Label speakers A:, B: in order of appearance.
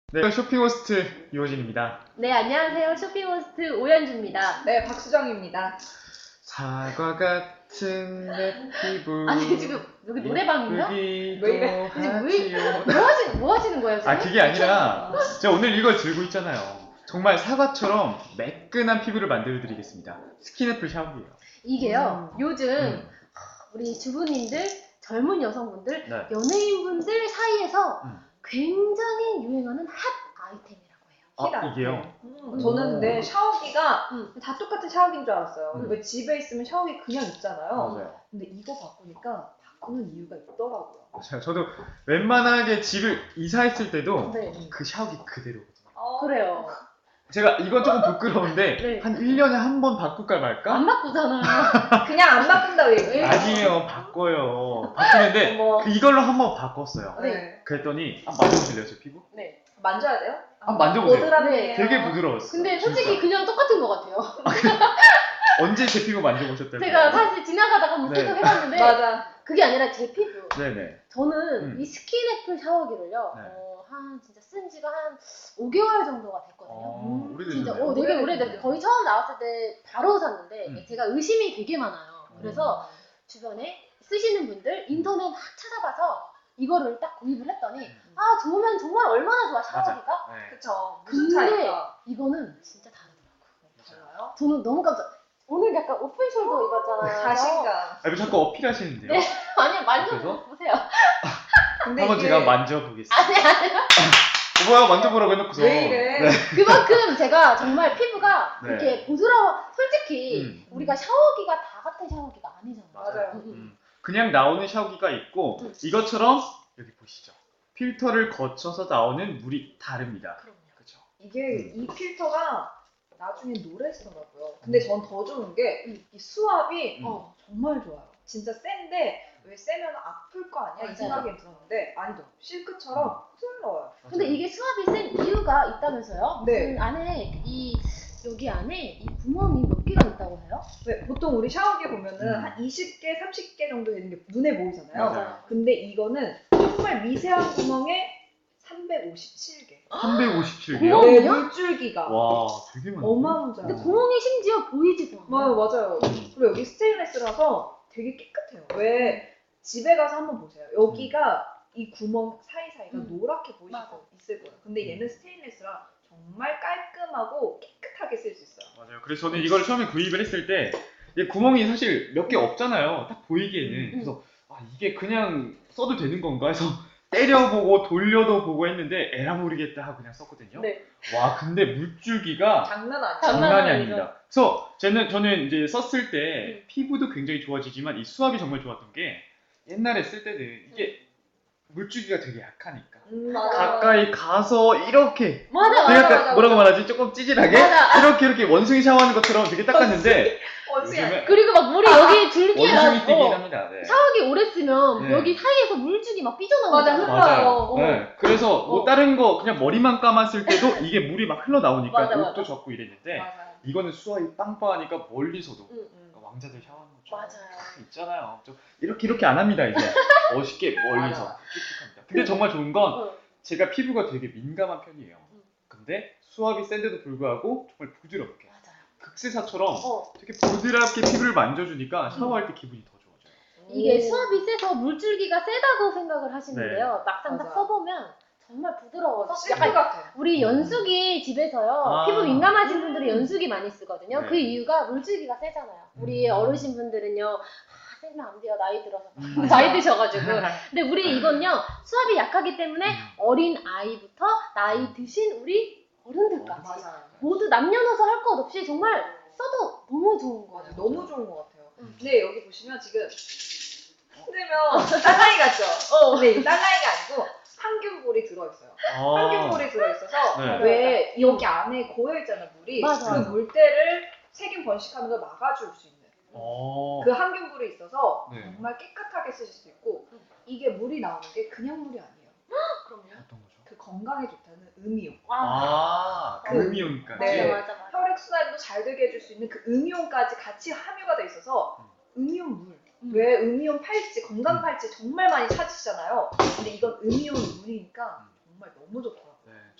A: 네, 쇼핑호스트 이호진입니다.
B: 네, 안녕하세요. 쇼핑호스트 오연주입니다.
C: 네, 박수정입니다.
A: 사과 같은 내 피부
B: 아니, 지금 여기 노래방인가?
A: 예쁘기도
C: 왜 이래?
A: 하지요.
B: 뭐 하시는 거예요, 지금?
A: 아, 그게 아니라 제가 오늘 이걸 들고 있잖아요. 정말 사과처럼 매끈한 피부를 만들어드리겠습니다. 스킨애플 샤워기예요.
B: 이게요, 요즘
A: 음.
B: 우리 주부님들, 젊은 여성분들,
A: 네.
B: 연예인분들 사이에서
A: 음.
B: 굉장히 유행하는 핫 아이템이라고 해요.
A: 아, 이게요?
C: 저는 근데 샤워기가
B: 음.
C: 다 똑같은 샤워기인 줄 알았어요.
A: 음.
C: 왜 집에 있으면 샤워기 그냥 있잖아요.
A: 맞아요.
C: 근데 이거 바꾸니까 바꾸는 이유가 있더라고요.
A: 맞아요. 저도 웬만하게 집을 이사했을 때도
B: 네.
A: 그 샤워기 그대로거든요.
B: 그래요.
A: 제가 이건 조금 부끄러운데
B: 네.
A: 한 1년에 한 번 바꿀까 말까?
B: 안 바꾸잖아요.
C: 그냥 안 바꾼다고 얘기해요.
A: 아니에요, 바꿔요. 바꾸는데
B: 어머.
A: 이걸로 한 번 바꿨어요.
C: 네.
A: 그랬더니 만져보실래요, 제 피부?
B: 네.
C: 만져야 돼요?
A: 만져보세요.
C: 보드랍이에요.
A: 되게 부드러웠어요.
B: 근데 솔직히
A: 진짜.
B: 그냥 똑같은 것 같아요.
A: 언제 제 피부 만져보셨다고요?
B: 제가 사실 지나가다가 한번
A: 네.
B: 계속 해봤는데
C: 맞아.
B: 그게 아니라 제 피부.
A: 네네.
B: 저는 이 스킨애플 샤워기를요,
A: 네.
B: 한 진짜 쓴 지가 한 5개월 정도가 됐거든요. 진짜,
A: 오래되셨네요.
B: 되게
C: 오래됐네요.
B: 오래됐어요. 거의 처음 나왔을 때 바로 샀는데, 제가 의심이 되게 많아요. 그래서 주변에 쓰시는 분들 인터넷 막 찾아봐서 이거를 딱 구입을 했더니, 아, 좋으면 정말 얼마나 좋아, 샤워기가?
A: 네.
C: 그쵸. 무슨
B: 근데
C: 차이가
B: 이거는 진짜 다르더라고요.
C: 달라요?
B: 저는 너무 깜짝. 오늘 약간 오픈숄더 입었잖아요.
C: 자신감.
A: 아, 왜 자꾸 어필하시는데요?
B: 네. 아니,
A: 그래서?
B: 만져보세요.
C: 근데
A: 한번
C: 이게
A: 제가 만져보겠습니다.
B: 아니,
A: 뭐야, 만져보라고 해놓고서.
C: 왜 이래?
A: 네.
B: 그만큼 제가 정말 피부가
A: 네.
B: 이렇게 부드러워. 솔직히 우리가 샤워기가 다 같은 샤워기가 아니잖아요.
C: 맞아요.
A: 그냥 나오는 샤워기가 있고
B: 음.
A: 이것처럼 여기 보시죠. 필터를 거쳐서 나오는 물이 다릅니다.
B: 그럼요.
A: 그렇죠.
C: 이게 이 필터가 나중에 노래쓰더라고요. 근데 전 더 좋은 게
B: 음.
C: 이 수압이
B: 어.
C: 정말 좋아요. 진짜 센데 왜 세면 아플 거 아니야?
B: 맞아요.
C: 이 생각이 들었는데 아니죠. 실크처럼 부드러워요.
B: 근데 이게 수압이 센 이유가 있다면서요?
C: 네.
B: 안에 여기 안에 이 구멍이 몇 개가 있다고 해요?
C: 왜 보통 우리 샤워기 보면은
A: 음.
C: 한 20개, 30개 정도 되는 게 눈에 보이잖아요.
A: 맞아요.
C: 근데 이거는 정말 미세한 구멍에 357개.
A: 357개요?
B: 구멍이요?
C: 네, 물줄기가
A: 와, 되게 많네.
C: 어마무지해요.
B: 근데 구멍이 심지어 보이지도 않아요.
C: 맞아요. 그리고 여기 스테인레스라서 되게 깨끗해요. 왜 집에 가서 한번 보세요. 여기가 이 구멍 사이사이가 노랗게 보이실
B: 맞아.
C: 거 있을 거예요. 근데 얘는 스테인레스라 정말 깔끔하고 깨끗하게 쓸 수 있어요.
A: 맞아요. 그래서 저는 이걸 처음에 구입을 했을 때 이게 구멍이 사실 몇 개 없잖아요. 딱 보이기에는. 그래서 아, 이게 그냥 써도 되는 건가 해서 때려보고 돌려도 보고 했는데 에라 모르겠다 하고 그냥 썼거든요.
B: 네.
A: 와, 근데 물줄기가
C: 장난 아니죠?
B: 장난
A: 장난이
B: 아니죠.
A: 아닙니다. 그래서 저는 이제 썼을 때 피부도 굉장히 좋아지지만 이 수압이 정말 좋았던 게 옛날에 쓸 때는 이게 물줄기가 되게 약하니까
C: 맞아.
A: 가까이 가서 이렇게
B: 맞아,
A: 되게
B: 맞아.
A: 약간 뭐라고 말하지? 조금 찌질하게
B: 맞아.
A: 이렇게 원숭이 샤워하는 것처럼 되게 닦았는데 요즘에
B: 그리고 막 물이 여기 줄기가
A: 원숭이 뛰긴 합니다. 네.
B: 샤워기 오래 쓰면
A: 네.
B: 여기 사이에서 물줄기 막 삐져나오잖아요.
C: 맞아,
A: 맞아요. 네. 그래서 뭐
B: 어.
A: 다른 거 그냥 머리만 감았을 때도 이게 물이 막 흘러나오니까
B: 맞아,
A: 옷도
B: 맞아.
A: 젖고 이랬는데
C: 맞아요.
A: 이거는 수압이 빵빵하니까 멀리서도
B: 응.
A: 그러니까 왕자들 샤워하는 것처럼
B: 맞아요.
A: 있잖아요. 좀 이렇게 안 합니다 이제 멋있게 멀리서
C: 맞아.
A: 쭉쭉합니다. 근데 정말 좋은 건
B: 어.
A: 제가 피부가 되게 민감한 편이에요. 근데 수압이 센데도 불구하고 정말 부드럽게
B: 맞아요.
A: 극세사처럼
B: 어.
A: 되게 부드럽게 피부를 만져주니까 샤워할 때 기분이 더 좋아져요.
B: 이게 수압이 세서 물줄기가 세다고 생각을 하시는데요. 막상 딱
C: 맞아.
B: 써보면 정말 부드러워서
C: 실크
B: 약간
C: 같아요.
B: 우리 연수기 집에서요.
A: 아.
B: 피부 민감하신 분들이 연수기 많이 쓰거든요.
A: 네.
B: 그 이유가 물줄기가 세잖아요. 우리 어르신 분들은요. 아, 세면 안 돼요. 나이 들어서. 나이 드셔가지고. 근데 우리 이건요. 수압이 약하기 때문에 어린 아이부터 나이 드신 우리 어른들까지
C: 맞아요.
B: 모두 남녀노소 할 것 없이 정말 써도 너무 좋은 거예요.
C: 맞아요. 너무 좋은 것 같아요.
B: 음.
C: 근데 여기 보시면 지금 흔들면 딸랑이 같죠? 근데 이 딸랑이가 아니고 항균볼이 들어있어요. 항균볼이 들어있어서
A: 네.
C: 왜 여기 안에 고여있잖아요, 물이.
B: 맞아.
C: 그 물때를 세균 번식하는 걸 막아줄 수 있는
A: 어.
C: 그 항균볼이 있어서
A: 네.
C: 정말 깨끗하게 쓰실 수 있고 이게 물이 나오는 게 그냥 물이 아니에요.
B: 그럼요.
A: 어떤 거죠?
C: 그 건강에 좋다는 음이온.
A: 아,
C: 그-
A: 음이온까지.
C: 네.
B: 맞아.
C: 혈액순환도 잘 되게 해줄 수 있는 그 음이온까지 같이 함유가 돼 있어서 음이온 물.
B: 음.
C: 왜 음이온 팔찌, 건강 팔찌 정말 많이 찾으시잖아요. 근데 이건 음이온 물이니까 정말 너무 좋더라고요.